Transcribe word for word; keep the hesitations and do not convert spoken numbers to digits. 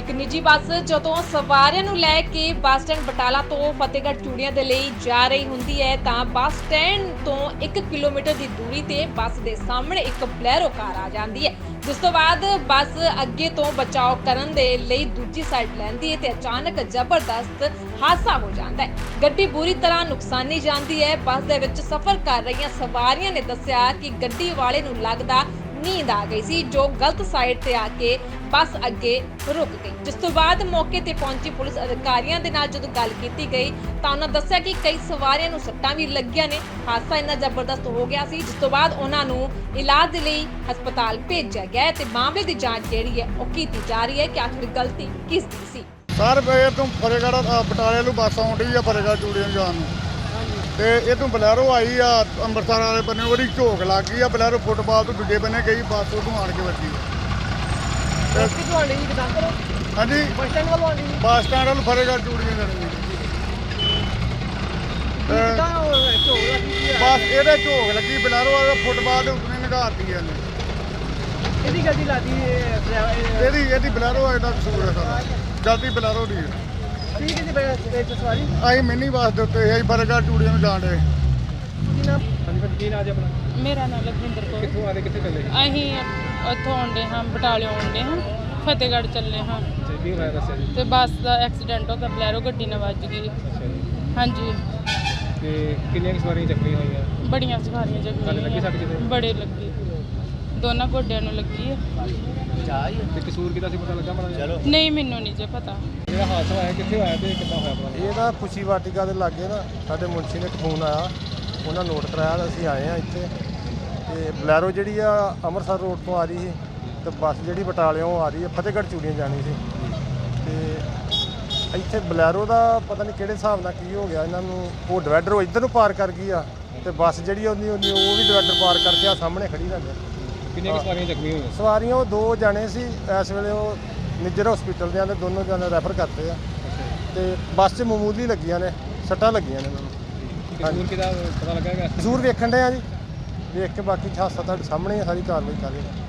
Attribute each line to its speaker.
Speaker 1: ਇੱਕ ਨਿੱਜੀ ਬੱਸ ਜਦੋਂ ਸਵਾਰੀਆਂ ਨੂੰ ਲੈ ਕੇ ਬੱਸ ਸਟੈਂਡ ਬਟਾਲਾ ਤੋਂ ਫਤਿਹਗੜ੍ਹ ਚੂੜੀਆਂ ਦੇ ਲਈ ਜਾ ਰਹੀ ਹੁੰਦੀ ਹੈ ਤਾਂ ਬੱਸ ਸਟੈਂਡ ਤੋਂ ਇੱਕ ਕਿਲੋਮੀਟਰ ਦੀ ਦੂਰੀ ਤੇ ਬੱਸ ਦੇ ਸਾਹਮਣੇ ਇੱਕ ਬਲੈਰੋ ਕਾਰ ਆ ਜਾਂਦੀ ਹੈ, ਜਿਸ ਤੋਂ ਬਾਅਦ ਬੱਸ ਅੱਗੇ ਤੋਂ ਬਚਾਓ ਕਰਨ ਦੇ ਲਈ ਦੂਜੀ ਸਾਈਡ ਲੈਂਦੀ ਹੈ ਤੇ ਅਚਾਨਕ ਜ਼ਬਰਦਸਤ ਹਾਦਸਾ ਹੋ ਜਾਂਦਾ ਹੈ। ਗੱਡੀ ਬੁਰੀ ਤਰ੍ਹਾਂ ਨੁਕਸਾਨੀ ਜਾਂਦੀ ਹੈ। ਬੱਸ ਦੇ ਵਿੱਚ ਸਫ਼ਰ ਕਰ ਰਹੀਆਂ ਸਵਾਰੀਆਂ ਨੇ ਦੱਸਿਆ ਕਿ ਗੱਡੀ ਵਾਲੇ ਨੂੰ ਲੱਗਦਾ ਨੀਂਦ ਆ ਗਈ ਸੀ, ਜੋ ਗਲਤ ਸਾਈਡ ਤੇ ਆ ਕੇ ਬੱਸ ਅੱਗੇ ਰੁਕ ਗਈ। ਜਿਸ ਤੋਂ ਬਾਅਦ ਮੌਕੇ ਤੇ ਪਹੁੰਚੀ ਪੁਲਿਸ ਅਧਿਕਾਰੀਆਂ ਦੇ ਨਾਲ ਜਦੋਂ ਗੱਲ ਕੀਤੀ ਗਈ ਤਾਂ ਉਹਨਾਂ ਦੱਸਿਆ ਕਿ ਕਈ ਸਵਾਰੀਆਂ ਨੂੰ ਸੱਟਾਂ ਵੀ ਲੱਗੀਆਂ ਨੇ। ਹਾਦਸਾ ਇੰਨਾ ਜ਼ਬਰਦਸਤ ਹੋ ਗਿਆ ਸੀ ਜਿਸ ਤੋਂ ਬਾਅਦ ਉਹਨਾਂ ਨੂੰ ਇਲਾਜ ਦੇ ਲਈ ਹਸਪਤਾਲ ਭੇਜਿਆ ਗਿਆ ਹੈ ਤੇ ਮਾਮਲੇ ਦੀ ਜਾਂਚ ਜਿਹੜੀ ਹੈ ਉਹ ਕੀਤੀ ਜਾ ਰਹੀ ਹੈ ਕਿ ਆਖਿਰ ਗਲਤੀ ਕਿਸ ਦੀ ਸੀ।
Speaker 2: ਸਰ ਇਹ ਤੋਂ ਫਤਿਹਗੜ੍ਹ ਬਟਾਲੇ ਨੂੰ ਬੱਸ ਆਉਂਦੀ ਆ ਫਤਿਹਗੜ੍ਹ ਚੂੜੀਆਂ ਜਾਣ ਨੂੰ, ਤੇ ਇਹ ਤੋਂ ਬਲੈਰੋ ਆਈ ਆ ਅੰਮ੍ਰਿਤਸਰ ਵਾਲੇ ਬੰਨੇ, ਉਹਦੀ ਝੋਕ ਲੱਗ ਗਈ ਆ। ਬਲੈਰੋ ਫੁੱਟਬਾਲ ਤੋਂ ਦੂਜੇ ਬੰਨੇ ਗਈ, ਬੱਸ ਉਹ ਆਣ ਕੇ ਵੱਜੀ। ਹਾਂਜੀ, ਬੱਸ ਸਟੈਂਡ ਵੱਲੋਂ ਆਉਂਦੀ ਬੱਸ ਸਟੈਂਡ ਵੱਲ ਫਤਿਹਗੜ੍ਹ ਚੂੜੀਆਂ ਜਾਣੀ ਬੱਸ ਇਹਦੇ ਝੋਕ ਲੱਗੀ, ਬਲੈਰੋ ਵਾਲੇ ਫੁੱਟਬਾਲ ਦੇ ਉੱਤੇ ਨਿਗਾਰਤੀ ਇਹਨੇ।
Speaker 3: ਇਹਦੀ ਗੱਡੀ ਲਾਦੀ
Speaker 2: ਇਹਦੀ ਇਹਦੀ ਬਲੈਰੋ ਇਹਦਾ ਕਸੂਰ ਹੈ ਸਾਰਾ, ਜਲਦੀ ਬਲੈਰੋ ਦੀ ਹੈ।
Speaker 3: ਠੀਕ ਹੈ ਜੀ ਬਈ ਸਵਾਰੀ
Speaker 2: ਅਸੀਂ ਮਿੰਨੀ ਬੱਸ ਦੇ ਉੱਤੇ ਅਸੀਂ ਫਤਿਹਗੜ੍ਹ ਚੂੜੀਆਂ ਨੂੰ ਜਾਣ ਡਏ।
Speaker 3: ਕੀ ਨਾਮ ਹਾਂਜੀ ਭਾਜੀ ਕੀ ਨਾਮ ਜੀ ਆਪਣਾ?
Speaker 4: ਮੇਰਾ ਨਾਮ ਲਖਵਿੰਦਰ ਕੌਰ।
Speaker 3: ਕਿੱਥੋਂ ਆਦੇ ਕਿੱਥੇ ਚੱਲੇ?
Speaker 4: ਅਸੀਂ ਉੱਥੋਂ ਆਉਂਦੇ ਹਾਂ, ਬਟਾਲੇ ਆਉਂਦੇ ਹਾਂ, ਫਤਿਹਗੜ੍ਹ ਚੱਲੇ ਹਾਂ
Speaker 3: ਜੀ ਕੀ ਹੋਇਆ ਦੱਸਿਆ ਜੀ?
Speaker 4: ਤੇ ਬੱਸ ਦਾ ਐਕਸੀਡੈਂਟ ਹੋ ਗਿਆ, ਬਲੈਰੋ ਗੱਡੀ ਨਾਲ ਵੱਜ ਗਈ।
Speaker 3: ਅੱਛਾ ਜੀ,
Speaker 4: ਹਾਂਜੀ,
Speaker 3: ਤੇ ਕਿੰਨੀਆਂ ਕੁ ਸਵਾਰੀਆਂ ਚੱਕੀਆਂ ਹੋਈਆਂ?
Speaker 4: ਬੜੀਆਂ ਸਵਾਰੀਆਂ
Speaker 3: ਤੁਹਾਡੇ ਲੱਗੀ ਸੱਟ ਕਿਤੇ?
Speaker 4: ਜ਼ਖਮੀ ਬੜੇ ਲੱਗੀ, ਦੋਨਾਂ ਗੋਡਿਆਂ ਨੂੰ ਲੱਗੀ ਹੈ।
Speaker 3: ਤੇ ਕਸੂਰ ਕਿਹਦਾ ਸੀ ਪਤਾ ਲੱਗਾ ਮਾੜਾ?
Speaker 4: ਨਹੀਂ, ਮੈਨੂੰ ਨਹੀਂ ਜੇ ਪਤਾ।
Speaker 3: ਜਿਹੜਾ ਹਾਦਸਾ ਹੋਇਆ ਕਿੱਥੇ ਹੋਇਆ ਤੇ ਕਿੱਦਾਂ ਹੋਇਆ ਪਤਾ?
Speaker 5: ਇਹ ਨਾ ਖੁਸ਼ੀ ਵਾਟਿਕਾ ਦੇ ਲਾਗੇ ਨਾ ਸਾਡੇ ਮੁਨਸ਼ੀ ਨੇ ਇੱਕ ਫੋਨ ਆਇਆ, ਉਹਨਾਂ ਨੋਟ ਕਰਾਇਆ ਤਾਂ ਅਸੀਂ ਆਏ ਆ ਇੱਥੇ। ਤੇ ਬਲੈਰੋ ਜਿਹੜੀ ਆ ਅੰਮ੍ਰਿਤਸਰ ਰੋਡ ਤੋਂ ਆ ਰਹੀ ਸੀ ਤੇ ਬੱਸ ਜਿਹੜੀ ਬਟਾਲਿਓਂ ਆ ਰਹੀ ਹੈ ਫਤਿਹਗੜ੍ਹ ਚੂੜੀਆਂ ਜਾਣੀ ਸੀ। ਤੇ ਇੱਥੇ ਬਲੈਰੋ ਦਾ ਪਤਾ ਨਹੀਂ ਕਿਹੜੇ ਹਿਸਾਬ ਨਾਲ ਕੀ ਹੋ ਗਿਆ ਇਹਨਾਂ ਨੂੰ, ਉਹ ਡਿਵਾਈਡਰ ਉਹ ਇੱਧਰ ਨੂੰ ਪਾਰ ਕਰ ਗਈ ਆ ਤੇ ਬੱਸ ਜਿਹੜੀ ਉਹਦੀ ਉਹਦੀ ਉਹ ਵੀ ਡਿਵਾਈਡਰ ਪਾਰ ਕਰਕੇ ਆ ਸਾਹਮਣੇ ਖੜੀ ਰਹਿ ਗਈ।
Speaker 3: ਕਿੰਨੀਆਂ ਕੁ ਸਵਾਰੀਆਂ ਚੱਕੀਆਂ ਹੋਈਆਂ?
Speaker 5: ਸਵਾਰੀਆਂ ਉਹ ਦੋ ਜਾਣੇ ਸੀ, ਇਸ ਵੇਲੇ ਉਹ ਨਿੱਜਰ ਹਸਪੀਟਲ ਦੇ ਆਂਦੇ, ਦੋਨੋਂ ਜਾਣੇ ਰੈਫਰ ਕਰਤੇ ਆ ਤੇ ਬੱਸ 'ਚ ਮਾਮੂਲੀ ਲੱਗੀਆਂ ਨੇ, ਸੱਟਾਂ ਲੱਗੀਆਂ ਨੇ ਉਹਨਾਂ ਨੂੰ।
Speaker 3: ਕਸੂਰ ਕਿਹਦਾ ਪਤਾ ਲੱਗਾ ਹੈਗਾ?
Speaker 5: ਜ਼ਰੂਰ ਵੇਖਣ ਡਏ ਆ ਜੀ, ਵੇਖ ਕੇ ਬਾਕੀ ਹਾਦਸਾ ਤੁਹਾਡੇ ਸਾਹਮਣੇ ਹੀ ਆ, ਸਾਰੀ ਕਾਰਵਾਈ ਕਰ ਰਹੇ ਹਾਂ।